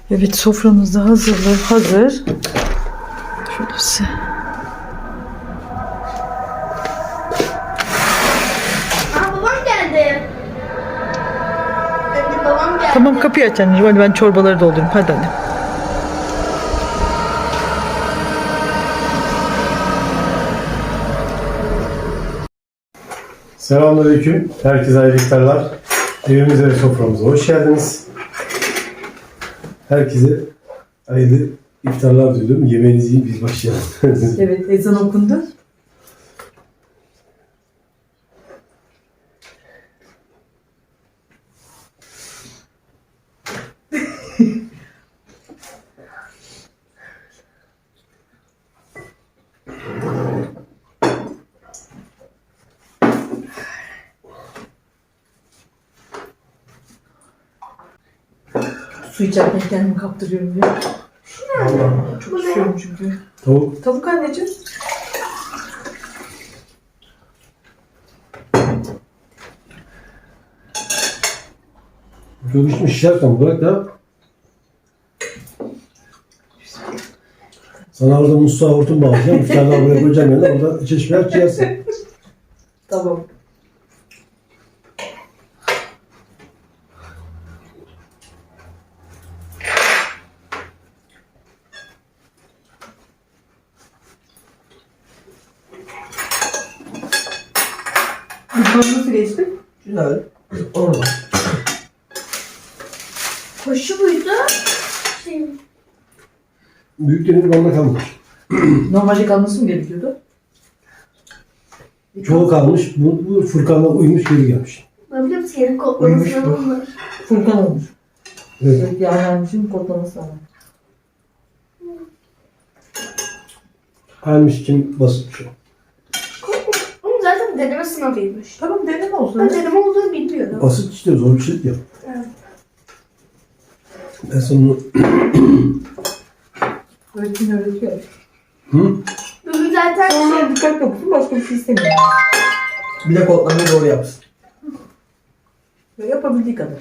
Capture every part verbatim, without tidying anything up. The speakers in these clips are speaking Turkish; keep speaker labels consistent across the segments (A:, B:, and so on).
A: Evet, soframız da hazırlı, hazır. Şurası.
B: Aa, babam geldi. Anne, babam geldi.
A: Tamam, kapıyı aç anneciğim. Hadi ben çorbaları doldurayım. Hadi anne.
C: Selamünaleyküm. Herkese hayırlı iftarlar. Evimize ve soframıza hoş geldiniz. Herkese hayırlı iftarlar diliyorum. Yemeğinizi yiyin, biz başlayalım.
A: Evet, ezan okundu. Su içerken kendimi kaptırıyorum ya.
C: Vallahi.
A: Çok üşüyorum çünkü.
C: Tavuk.
A: Tavuk anneciğim.
C: Çok içmiş şişerken bırak da. Sana orada musluğa hortum bağlayacağım. İftardan buraya koyacağım yerine orada çeşmeler çiğersin.
A: Tamam. Bu nasıl geçti?
C: Güzel. Orada.
B: Koşu buydu. Şey,
C: Büyüklerin bana kalmış.
A: Normalde kalması mı gerekiyordu?
C: Çoğu kalmış. Bu, bu Furkan'la uyumuş geri gelmiş.
B: ne bileyim senin
C: Uyumuş
B: kodlamasına
C: bu.
B: bunlar.
A: Furkan olmuş.
C: Evet.
A: Evet, yani anneciğim kodlaması lazım.
C: Halmiş kim basit bir şey.
B: Onun zaten deneme sınavıymış.
A: Tamam, deneme olsun.
B: Ben deneme olduğunu bilmiyorum.
C: Basit işte, zor bir şey değil.
B: Evet.
C: Ben sana onu...
A: Öğretmen öğretiyor.
C: Hı?
B: Bugün zaten
A: Sonra
B: şey,
A: dikkat okusun, başka bir şey istemiyor.
D: Bir de kodlamayı doğru yapsın.
A: Ve yapabildiği kadar.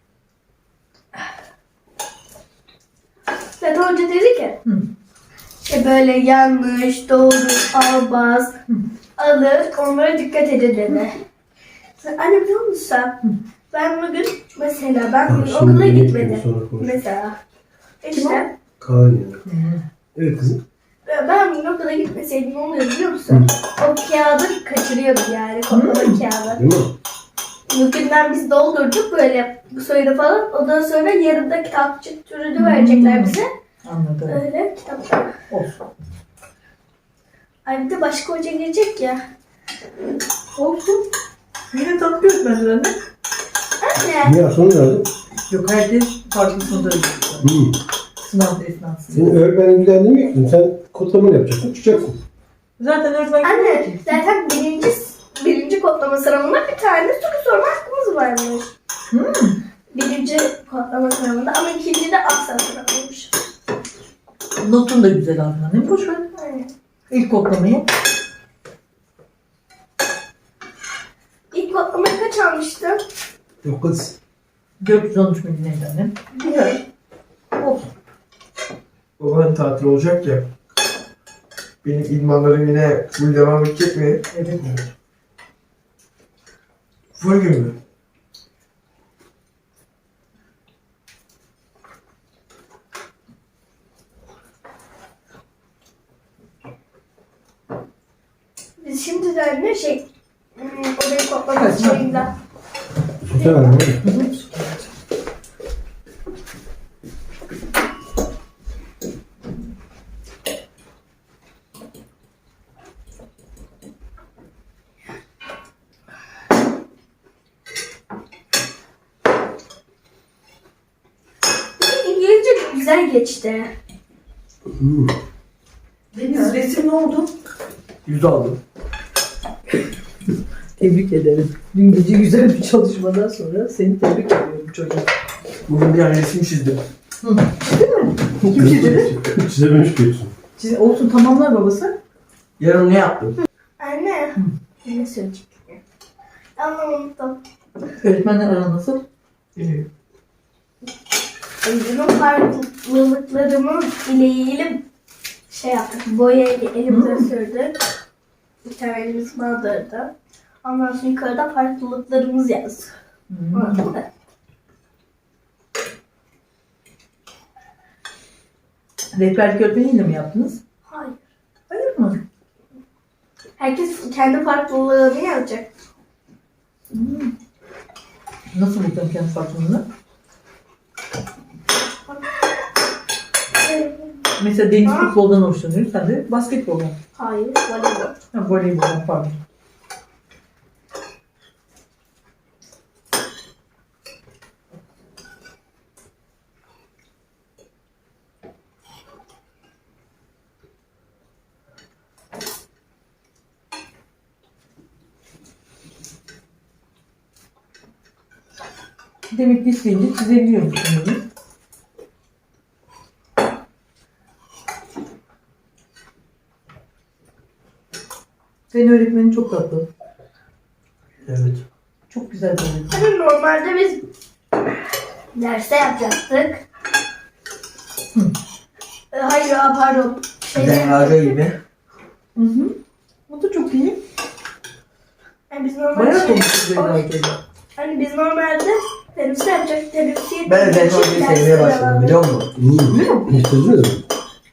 B: zaten hoca dedi ki
A: Hı.
B: işte böyle yanlış, doğru, albaz, alır, onlara dikkat edin dedi. Sen, anne biliyor musun sen? Ben bugün mesela ben bugün
C: Şimdi
B: okula
C: yemek
B: gitmedim.
C: yiyelim, sonra konuşuruz.
B: Mesela. İşte
C: Kaan yani. Evet kızım.
B: ben bugün okula gitmeseydim ne oluyor biliyor musun? O kağıdı kaçırıyordum yani kodlama kağıdı.
C: Değil mi?
B: Bugünden biz doldurduk böyle soyunu falan. Ondan sonra yarın kitapçık türünü verecekler bize.
A: Anladım.
B: Öyle kitaplar.
A: Olsun.
B: Ay bir de başka hoca gelecek ya.
A: Olsun. Yine tatlı öğretmenler anne.
B: Anne.
C: Niye sonra nerede?
A: Yok, herkes farklı sınıfta öğretiyor.
C: Hı.
A: Sınav esnasında.
C: Senin öğretmenin güzel demiyor ki. Sen kodlamanı yapacaksın, çıkacaksın.
A: Zaten öğretmen
B: Anne zaten birinci birinci kodlama sınavında bir tane soru sorma hakkımız varmış.
A: Hmm.
B: Birinci kodlama sınavında ama ikincide asla sınavıymış.
A: Notun da güzel aldın annem. Boş ver.
B: Aynen.
A: İlk kodlamayı.
B: İlk kodlamayı kaç almıştım?
C: Yok kız.
A: dört yüz on üç milyon neydi annem?
B: Bilmiyorum.
A: Olsun.
D: Babanın tatil olacak ya. Benim idmanlarım yine full devam edecek mi?
A: Evet.
D: Full gün mü?
B: Biz şimdi de ne şey hmm, odayı kodlama
A: Evet.
B: şeyinde.
C: Sosyal anlamda.
B: İngilizce güzel geçti.
C: Hı.
A: Deniz, resim ne oldu?
D: Yüz aldım.
A: Tebrik ederim. Dün gece güzel bir çalışmadan sonra seni tebrik ediyorum çocuğum.
D: Bugün bir tane resim çizdim.
A: Hı. Değil mi? Kim çizdi?
C: Çizememiş diyorsun.
A: Çiz, olsun, tamamlar babası.
D: Yarın ne yaptım?
B: Anne. Ne söyleyecektim? Ama unuttum.
A: Öğretmenler ara nasıl?
D: İyi.
B: Bizim farklılıklarımız ile ilgili şey yaptık. Boyayı elimde sürdük. Bir tane elimiz bandırdı. Ondan sonra yukarıda farklılıklarımız yazdık.
A: Hmm.
B: Orada.
A: Rehberlik öğretmeniyle mi yaptınız?
B: Hayır.
A: Hayır mı?
B: Herkes kendi farklılığını yazacak.
A: Hmm. Nasıl buldun kendi farklılığını? Mesela Deniz
B: Ha?
A: futboldan hoşlanıyor, sen de basketboldan.
B: Hayır, voleybol.
A: Ha, voleyboldan pardon. Demek ki isteyince çizebiliyormuş sanırım. Senin öğretmenin çok tatlı.
D: Evet.
A: Çok güzel bir öğretmen.
B: Hani normalde biz derste yapacaktık.
A: Hı.
B: E, Hayır, aa, pardon. Şey,
D: Zehra gibi.
A: Hı hı. Bu da çok iyi.
B: yani biz normalde
A: Bayağı
B: şey,
A: konuştuk böyle
B: o-
A: herkese.
B: hani biz normalde teniste yapacaktık. Tenisi
D: Ben Zehra'yı sevmeye başladım biliyor musun?
C: Değil mi? Hiç çözdünüz mü?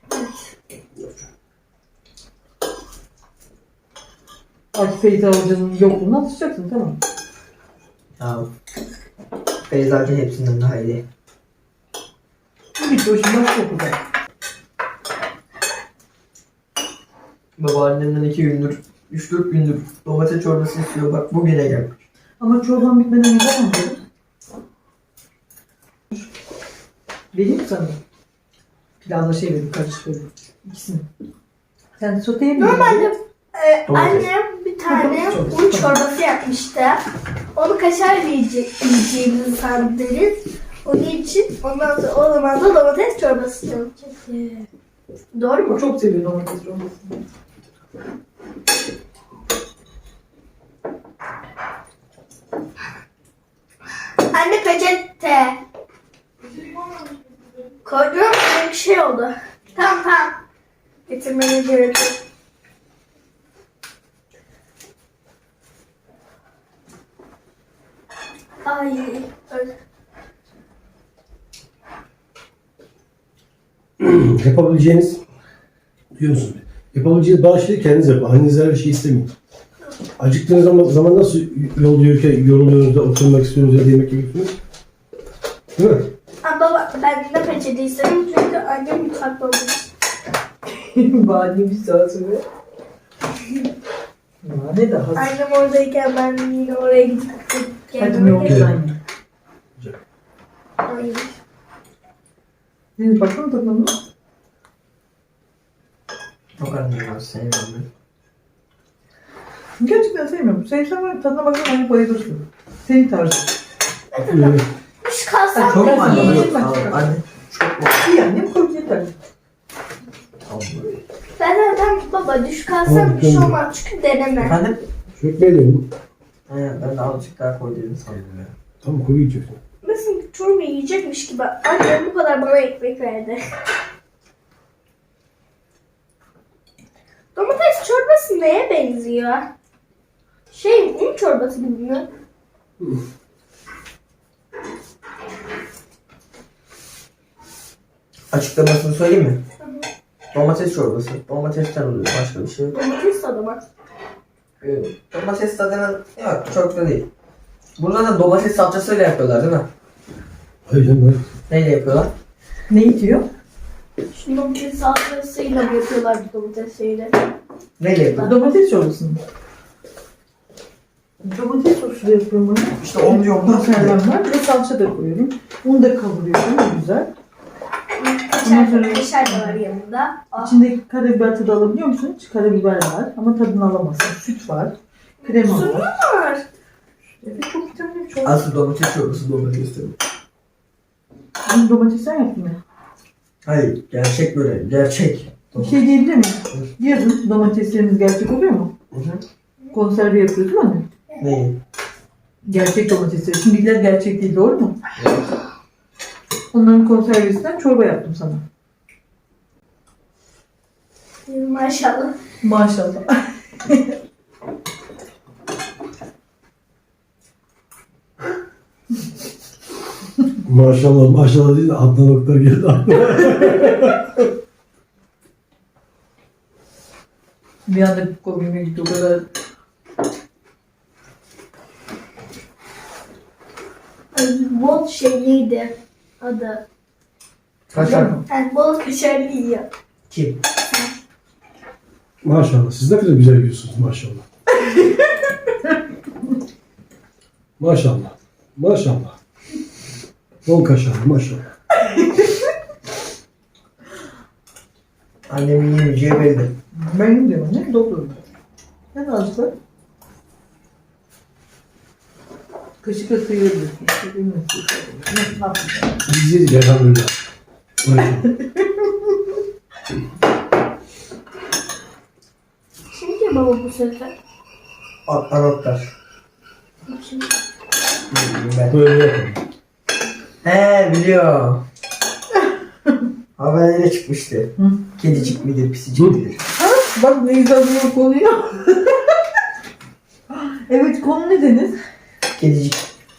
A: Akif Feyza Hoca'nın yokluğunu atacaksın, tamam.
D: Ya. Feyzacı hepsinden daha iyi.
A: Bu bitti, o şimdi başka okulda.
D: Babaannemden iki gündür, üç dört gündür domates çorbası istiyor. Bak bugüne gelmiş.
A: Ama çorban bitmeden yapamam dedim. Vereyim mi sana? Pilavla şey vereyim, karışık vereyim. İkisini. Sen de soteyebilir misin?
B: Normalde e,
D: Domates.
B: annem bir tane
A: Domates çorbası.
B: un çorbası yapmıştı. Onu kaşar yiyecek, yiyeceğimizi sandınız. Onun için ondan sonra o zaman da domates çorbası yapacaktı. Doğru mu?
A: O çok seviyor domates çorbasını.
B: Anne peçete. Koydum bir şey oldu. Tamam tamam. Getirmene gerek yok. Ay. öyle.
C: Yapabileceğiniz, duyuyor musunuz? Yapabileceğiniz bazı şeyleri kendiniz yapın. Annenize her şey istemeyin. Acıktığınız zaman, zaman nasıl yol yürürken yoruluyorsunuz da oturmak istiyorsunuz ya da yemek yiyorsunuz? Değil mi?
B: Aa, baba ben de peçete istedim çünkü annem mutfakta olduğu için.
A: Badi bir saat sonra. Ya ne daha?
B: Annem oradayken ben yine oraya gidip
A: Hadi
B: kendime
A: yok
B: geldim.
A: anne.
B: Ay.
A: Deniz baksana tadına mı?
D: Çok annem var sevmem ben.
A: Gerçekten sevmiyorum. Sevsem var tadına baksana aynı bayılırsın. Senin tarzın.
C: Ee,
B: Kuş kalsam
D: Çok
B: da
D: mu annem?
B: yiyeyim.
D: Yok, anne. Çok mu?
A: İyi annem koy yeter.
D: Tamam böyle.
B: Ben zaten baba düş kalsam
C: Tamam,
B: bir şey
C: tamam.
B: olmaz çünkü deneme.
D: Efendim?
C: Şu ekmeği de yiyin.
D: He, ben de azıcık daha koy dedim sandım ya.
C: Tamam, koyu yiyeceksin.
B: Mesela çorba yiyecekmiş gibi annem bu kadar bana ekmek verdi. Domates çorbası neye benziyor? Şey un çorbası gibi mi?
D: Açıklamasını söyleyeyim mi? Domates çorbası. Domatesten oluyor. Başka bir şey yok.
B: Domates tadı var.
D: Ee, Domates tadının yok çok da değil. Burada da domates salçasıyla yapıyorlar değil mi?
C: Hayır canım, hayır.
D: Neyle yapıyorlar?
A: Ne itiyor?
B: Şu domates salçasıyla mı yapıyorlar bu domates şeyleri?
D: Neyle yapıyorlar?
A: Domates çorbası mı? Domates sosu da yapıyorum bunu.
D: İşte onu diyorum.
A: Konserven var. Bir de salça da koyuyorum. Onu da kavuruyorum. Güzel. Ondan sonra-
B: Kaşar, kaşar da var yanında. Ah.
A: İçindeki karabiber tadı alabiliyor musun? Hiç karabiber var ama tadını alamazsın. Süt var. Krema
B: Su
A: var.
B: var.
A: Evet, çok vitaminli bir çorba.
D: Asıl domates çorbası domates tabii.
A: Bunu domates sen yaptın ya.
D: Hayır gerçek böyle gerçek.
A: Bir şey diyebilir miyim? Yazın domatesleriniz gerçek oluyor mu?
D: Hı hı.
A: Konserve yapıyoruz değil mi anne?
D: Neyi?
A: Gerçek domatesleri. Şimdikiler gerçek değil, doğru mu? Onların konservesinden çorba yaptım sana.
B: Maşallah.
A: Maşallah.
C: Maşallah maşallah değil de Adnan Oktar geldi aklıma.
A: Bir anda komiğime gitti o kadar.
B: Ay, bol şeyliydi adı.
D: Kaşar.
B: Yani bol kaşarlı yiyor.
D: Kim?
C: Maşallah. Siz ne kadar güzel yiyorsunuz maşallah. Maşallah. Maşallah. Bol kaşarlı maşallah.
D: Annemin yemeyeceği belli.
A: Benim diyorum ne? Doktorum. Ne azıcık? Kaşıkla sıyırabilirsin. Ne yapayım?
C: Biz yedik elhamdülillah. Maşallah.
B: Şimdi baba bu sefer.
D: Adnan Oktar.
B: Şimdi.
D: Ben.
C: Böyle yapalım.
D: He biliyorum. Haberlere çıkmıştı.
A: Hı.
D: Kedicik midir, pisicik
C: Hı.
D: midir?
A: Bak ne güzel bir konuyu. Evet, konu ne deniz?
D: Kedicik.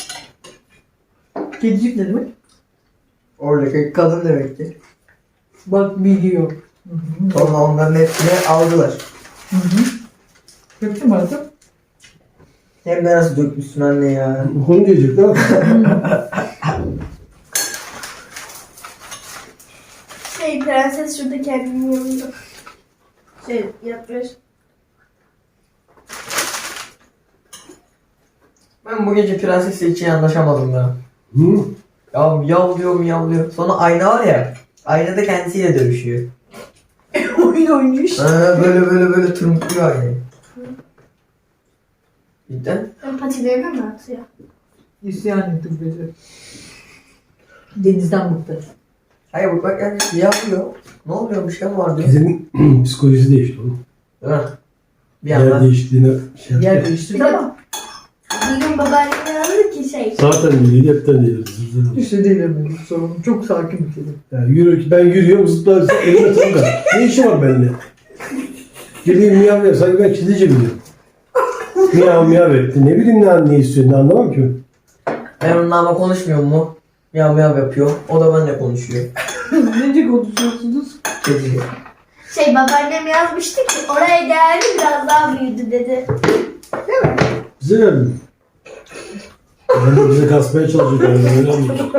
A: Kedicik ne demek?
D: Oradaki kadın demek ki.
A: Bak biliyor. Hı hı.
D: Sonra onların hepsini aldılar.
A: Hı hı. Yapayım artık.
D: Hem de nasıl dökmüşsün anne ya.
C: Bu konu diyecek ne yapalım?
B: Şey prenses şurada kendini yanında. Şey yapmış.
D: Ben bu gece prensesle hiç iyi anlaşamadım ya.
C: Hı?
D: Ya yavlıyor miyavlıyor. Sonra ayna var ya. Aynada kendisiyle dövüşüyor.
A: Oyun oynuyor.
D: Ha, böyle böyle böyle tırmıklıyor aynayı. Cidden.
B: Ben patilerine mi atıyor?
A: İsyan etti bu gece. Denizden bıktı.
D: Hayır bak bak yani yapıyor. Ne oluyor bir şey mi var diyor.
C: Kedinin psikolojisi değişti oğlum.
D: Değil mi? Bir
C: Yer
D: yandan.
C: değiştiğine şey
A: Yer
C: yaptı.
A: değiştirdi ama
B: Bir gün babaannem yazdı ki şey.
C: Zaten değildi, hepten değildi. Zırhlı.
A: işte değil benim sorunum. Çok sakin bir kedi.
C: Yani yürü, ben yürüyorum, zıplar, elime takar. Ne işi var bende? Geleyim miyav miyav, sanki ben kedice biliyorum. Miyav miyav etti. Ne bileyim ne, ne istiyor, ne anlamam ki.
D: Ben onunla ama konuşmuyor mu? Miyav miyav yapıyor. O da benimle konuşuyor.
A: Nece konuşuyorsunuz?
D: Kediyle.
B: Şey babaannem yazmıştı ki oraya geldi biraz daha büyüdü dedi. Değil mi?
C: Bize verdin. Ben de bize kasmaya çalışıyor. Yani, öyle anladım.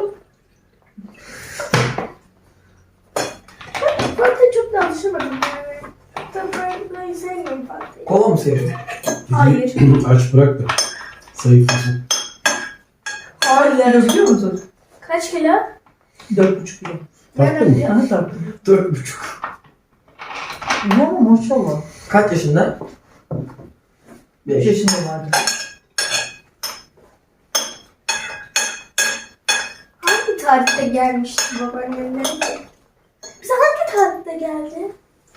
B: Fatih çok da alışamadım yani. Tabii ben böyle sevmiyorum Fatih'i.
D: Kova mı seviyor?
B: Hayır.
C: Aç bırak da. Zayıflasın.
A: Hayır. Biliyor musun?
B: Kaç kilo?
A: Dört buçuk kilo.
C: Taktın mı?
A: Aha taktım.
D: Dört buçuk.
A: Ya maşallah.
D: Kaç yaşında?
A: Beş
D: Beş.
A: yaşında vardı.
B: Hangi tarihte gelmişti babaannemler? Bize hangi tarihte geldi?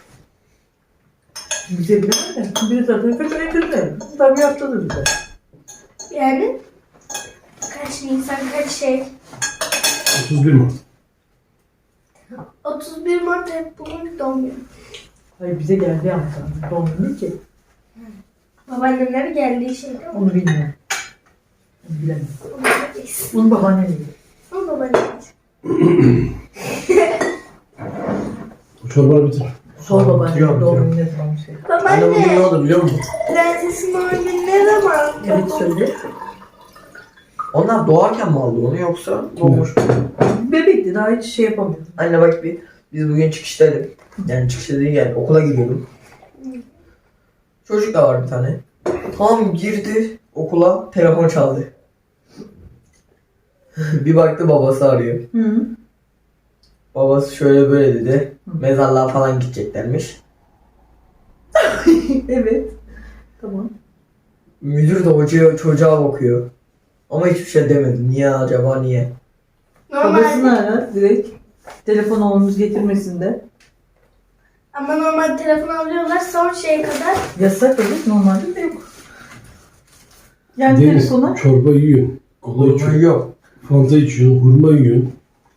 A: Bize bilemem de. Bir zaten kaç ay kırdı. Tabii yaptılar bize.
B: Yani kaç Nisan kaç şey?
C: otuz bir Mart.
B: otuz bir Mart hep bugün doğum günü.
A: Hayır bize geldi ama sana. Doğum günü ki.
B: Babaannemler geldiği şey değil mi?
A: Onu bilmiyorum. Onu bilemem.
B: Onu bilemeyiz.
A: Onu babaannem bilir.
B: Onu babaannem.
C: O çorbanı bitir.
A: Sor
D: Tamam,
A: babaannem
D: bitiriyorum,
A: doğum
D: bitiriyorum.
A: günü ne zaman bir şey.
D: Anne bugün ne
B: Babaanne,
D: oldu biliyor musun?
B: prensesin doğum günü ne zaman?
A: Evet söyle.
D: Onlar doğarken mi aldı onu yoksa doğmuş mu?
A: Bebekti daha hiç şey yapamıyordu.
D: Anne bak bir biz bugün çıkıştaydık. Yani çıkışta değil yani okula gidiyordum. Çocuk da var bir tane. Tam girdi okula telefon çaldı. Bir baktı babası arıyor.
A: Hı.
D: Babası şöyle böyle dedi. Mezarlığa falan gideceklermiş.
A: Evet. Tamam.
D: Müdür de hocaya çocuğa bakıyor. Ama hiçbir şey demedi. Niye acaba niye?
A: Babasını
B: Normalde,
A: ara direkt. Telefon oğlumuz getirmesinde.
B: ama normal telefon alıyorlar son şeye kadar.
A: Yasak evet normalde de yok. Yani
C: Deniz,
A: telefona
C: çorba yiyorsun. Kola
D: Hurma
C: içiyorsun.
D: yok.
C: Fanta içiyorsun. Hurma yiyorsun.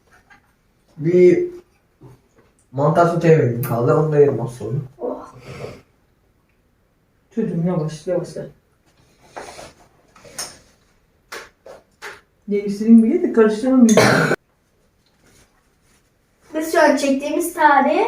D: Bir mantar sote yemeğim kaldı. Onu da yerim az sonra.
B: Oh.
A: Çocuğum yavaş yavaş. Değiştireyim bir de karıştırmayayım.
B: Biz şu an çektiğimiz tarih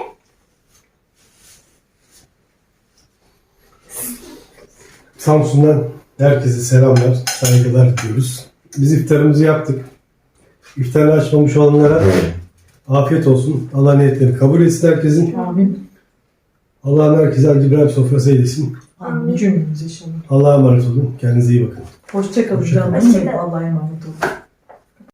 C: Samsun'dan herkese selamlar, saygılar diyoruz. Biz iftarımızı yaptık. İftarını açmamış olanlara afiyet olsun. Allah niyetlerini kabul etsin herkesin.
A: Amin.
C: Allah'ın herkese Hacı İbrahim sofrası eylesin.
A: Amin. Cümlemize inşallah.
C: Allah'a emanet olun. Kendinize iyi bakın.
A: Hoşça kalın
C: Hoşça
A: canım.
B: kalın.
A: Allah'a emanet olun.